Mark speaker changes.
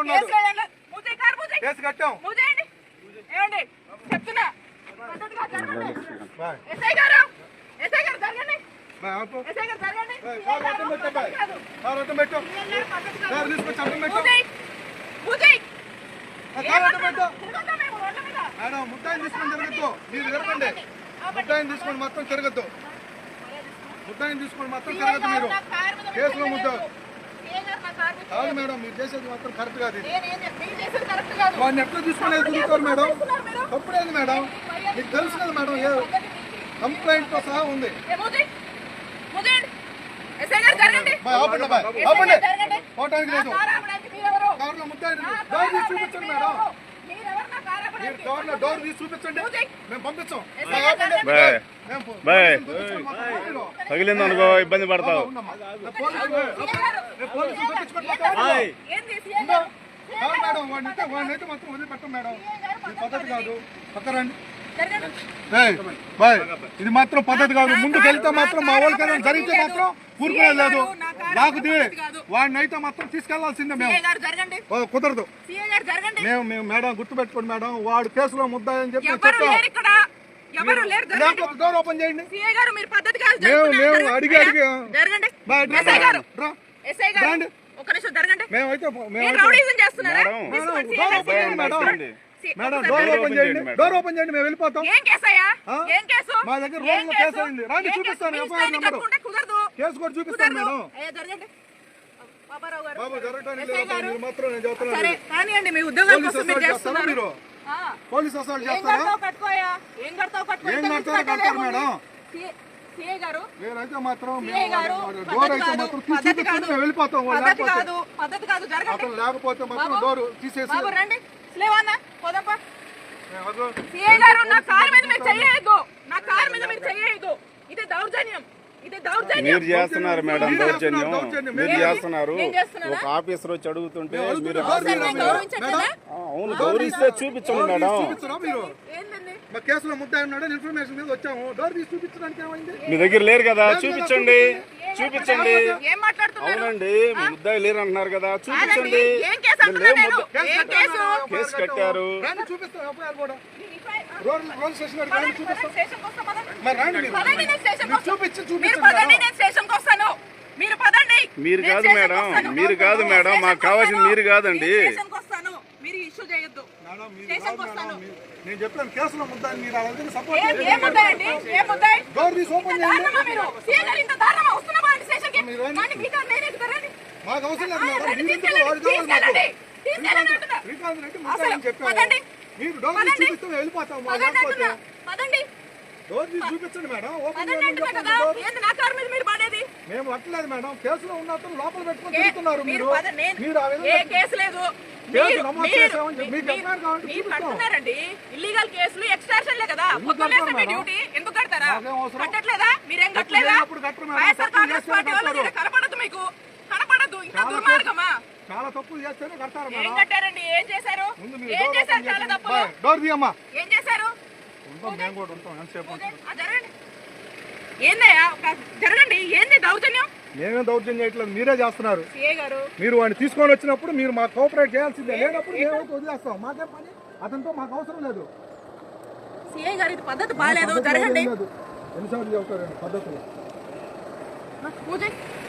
Speaker 1: ఉన్నాడు. కేసు కట్టాం.
Speaker 2: చెప్తున్నా
Speaker 1: మేడం ముద్దాయిని తీసుకొని తిరగద్దు. మీరు తిరగండి. ముద్దాయిని తీసుకొని మొత్తం తిరగద్దు. ముద్దాయిని తీసుకొని మొత్తం తిరగద్దు. మీరు కేసులో ముద్ద కాదు మేడం. మీరు చేసేది మాత్రం కరెక్ట్ కాదు. వాడిని ఎట్లా తీసుకునేది తిరుగుతారు మేడం. తప్పుడేది మేడం. మీకు తెలుసు కదా మేడం. ఏ కంప్లైంట్ తో సహా ఉంది. పోవటానికి లేదు. కార్లో ముద్దాయి డోర్ తీసి చూపించండి మేడం. మీరు డోర్ తీసి చూపించండి. మేము పంపించాం.
Speaker 3: తగిలింది అనుకో ఇబ్బంది పడతావు.
Speaker 1: మేడం వాడినైతే మొత్తం వదిలిపెట్టం మేడం. ఇది పద్ధతి కాదు. పక్కరండి. బాయ్ ఇది మాత్రం పద్ధతి కాదు. ముందుకు వెళ్తే మాత్రం మా వాళ్ళకైనా జరిగితే మాత్రం ఊరుకునేది లేదు. లేకపోతే వాడిని అయితే మాత్రం తీసుకెళ్లాల్సిందే. మేము కుదరదు. మేము మేడం గుర్తుపెట్టుకోండి మేడం. వాడు కేసులో ముద్దాయి అని చెప్పి చెప్పాం. డోర్ ఓపెన్ చేయండి. మేము అడిగి మేమైతే మేడం డోర్ ఓపెన్ చేయండి. డోర్ ఓపెన్ చేయండి. మేము వెళ్ళిపోతాం. మా దగ్గర రోజులో కేసు అయింది. రాండి చూపిస్తాను. ఎఫ్ఐఆర్ నెంబర్ కేసు కూడా చూపిస్తాను మేడం. బాబు జరగడానికి లేదు మాత్రం నేను చెప్తున్నాను. మీరు పోలీస్ అసలు చేస్తారా? ఏం కడతారు మేడం? నేనైతే మాత్రం డోర్ అయితే మాత్రం చూపిస్తాను. మేము వెళ్ళిపోతాం. లేకపోతే మాత్రం డోర్ తీసేసి
Speaker 3: మీరు చేస్తున్నారు మేడం దౌర్జన్యం. మీరు చేస్తున్నారు. ఒక ఆఫీసర్ వచ్చి అడుగుతుంటే మీరు అవును గౌరవిస్తే చూపించండి మేడం.
Speaker 1: కేసులో ముద్దాయి ఉన్నాడు ఇన్ఫర్మేషన్ మీద వచ్చాము. డోర్ తీసి చూపించడానికి ఏమైంది?
Speaker 3: మీ దగ్గర లేరు కదా చూపించండి. అవునండి ముద్దాయి లేరు అంటున్నారు కదా చూపించండి. కేసు కట్టారు. మీరు కాదు మేడం. మీరు కాదు మేడం. మాకు కావాల్సింది మీరు కాదండి.
Speaker 1: నేను చెప్పాను కేసులో ముద్దాయి. మీరు సపోర్ట్ డోర్ తీసి ఓపెన్ చేయండి. మాకు అవసరం లేదు మేడం. చెప్పాను మీరు డోర్ తీసి చూపిస్తే వెళ్ళిపోతాం. డోర్ తీసి చూపించండి మేడం. ఓపెన్ మేము అట్లేదు మేడం. కేసులో ఉన్నట్టు లోపల పెట్టుకుని తిరుగుతున్నారు. మీరు
Speaker 2: ఇల్లీగల్ కేసులు ఎక్స్ట్రాషన్లే కదా. డ్యూటీ ఎందుకు కడతారా? కట్టట్లేదా? మీరేం కట్టలేదా? కనపడదు మీకు కనపడదు. ఇంకా దుర్మార్గమా?
Speaker 1: చాలా తప్పులు చేస్తేనే కడతారు.
Speaker 2: ఏం కట్టారండి? ఏం చేశారు? ఏం చేశారు? చాలా తప్పులు
Speaker 1: డోర్ తీయమ్మా.
Speaker 2: ఏం చేశారు?
Speaker 1: మేము కూడా ఉంటాం. ఎంతసేపు
Speaker 2: ఏందయ్యా జరగండి. ఏంది దౌర్జన్యం?
Speaker 1: మేమేం దౌర్జన్యం చేయట్లేదు. మీరే చేస్తున్నారు. మీరు వాడిని తీసుకొని వచ్చినప్పుడు మీరు మాకు కోఆపరేట్ చేయాల్సిందే. లేనప్పుడు మేమైతే వదిలేస్తాం. మాకేం పని? అతనితో మాకు అవసరం లేదు.
Speaker 2: సిఐ గారు ఇది పద్ధతి బాగాలేదు. జరగండి.
Speaker 1: ఎన్నిసార్లు చెబుతారండి పద్ధతులు?